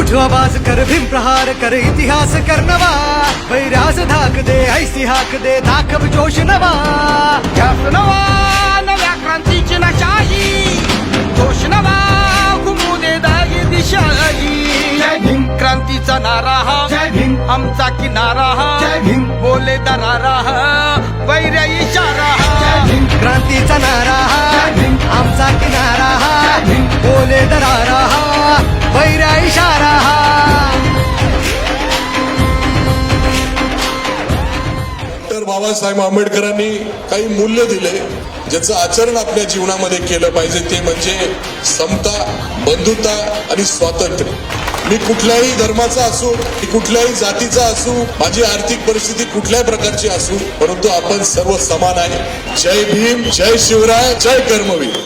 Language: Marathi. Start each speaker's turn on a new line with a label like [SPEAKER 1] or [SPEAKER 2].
[SPEAKER 1] उठ आवाज कर भीम प्रहार कर इतिहास कर नवा वैराज धाक दे ऐसी हाक दे दाखव जोश नवा
[SPEAKER 2] ध्यास नवा नव्या क्रांतीची नशाही जोश नवा घुमू दे दागी दिशाही जय भीम क्रांतीचा नारा हा
[SPEAKER 1] जय भीम
[SPEAKER 2] आमचा किनारा हा
[SPEAKER 1] जय भीम
[SPEAKER 2] बोले दरारा हा वैर्या इशारा हा
[SPEAKER 1] जय भीम क्रांतीचा नारा हा जय भीम आमचा किनारा हा जय भीम बोले दरारा हा वैरा इशारा हा
[SPEAKER 3] डॉक्टर बाबासाहेब आंबेडकरांनी काही मूल्य दिले ज्याचं आचरण आपल्या जीवनामध्ये केलं पाहिजे ते म्हणजे समता बंधुता आणि स्वातंत्र्य मी कुठल्याही धर्माचा असू मी कुठल्याही जातीचा असू माझी आर्थिक परिस्थिती कुठल्याही प्रकारची असू परंतु आपण सर्व समान आहे जय भीम जय शिवराय जय कर्मवीर